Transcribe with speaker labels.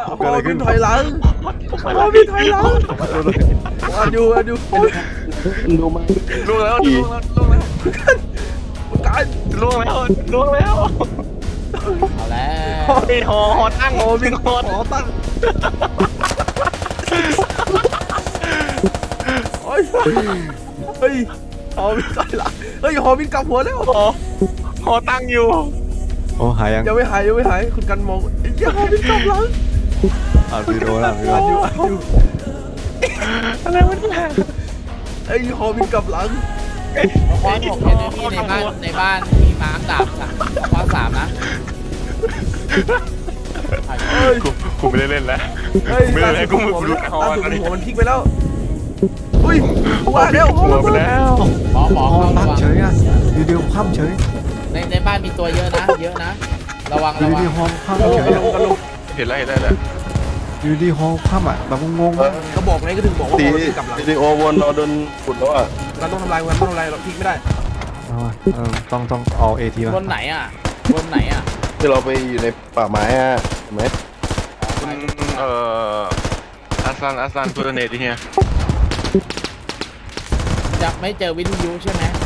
Speaker 1: พอบินถอยหลังพอบินถอยหลังอันอยู่
Speaker 2: ดูมัน
Speaker 3: ล่วงแล้ว
Speaker 1: การ
Speaker 3: ล่วงแล้ว
Speaker 4: เอาแล้ว
Speaker 3: ไอ้หอตั้ง
Speaker 1: พอบิน
Speaker 3: หอ
Speaker 1: ขอตั้งเฮ้ยพอบินถอยหลังเฮ้ยพอบินกลับหัวแล้ว
Speaker 3: หอตั้งอยู่
Speaker 2: โอ้หายยัง
Speaker 1: ยังไม่หายคุณกันมองยังพอบินกลับหลัง
Speaker 2: อ่านวิดีโอแล้ว
Speaker 1: อันอยู่
Speaker 3: อะไรวะเนี่ย
Speaker 1: ไอ้พอบินกลับหลัง
Speaker 4: คว้า6เอนมี่ในบ้านมีมาร์กดาบคว้า3นะ
Speaker 1: เฮ้ย
Speaker 3: กูไม่ได้เล่นแล้ว
Speaker 1: เฮ้ย
Speaker 3: ไม่ได้เล่นกู
Speaker 1: หัว
Speaker 3: รู้
Speaker 1: หัวมันพลิกไปแล้วอุ้ยว่าแล้ว
Speaker 3: หัวไปแล้ว
Speaker 4: หมอ
Speaker 2: พอ
Speaker 4: เข้า
Speaker 2: พั
Speaker 4: ระ
Speaker 2: บ
Speaker 4: วัง
Speaker 2: เฉยอ่ะวิดีโอพับเฉย
Speaker 4: ในบ้านมีตัวเยอะนะระวัง
Speaker 2: วิดีโอพับ
Speaker 1: กระ
Speaker 2: เฉย
Speaker 1: โลก
Speaker 3: เห็นแล้ว
Speaker 2: วิดีโอพับอ่ะแบบงง
Speaker 1: ก็บอกไงก็ถึงบอกว่า
Speaker 5: ตี
Speaker 1: พอบินกลับหลัง
Speaker 5: วิดีโอวนเราโดนขุดแล้วอ่ะ
Speaker 1: เราต้องทำลายเราพลิกไม่ได้
Speaker 2: ต้องเอาเอทีมา
Speaker 4: บนไหนอ่ะ
Speaker 5: ที่เราไปอยู่ในป่าไม้อ่ะเห็นไหม
Speaker 3: อาซันเพื่อนเนตที่เนี่ย
Speaker 4: จะไม่เจอวิทยุใช่ไหม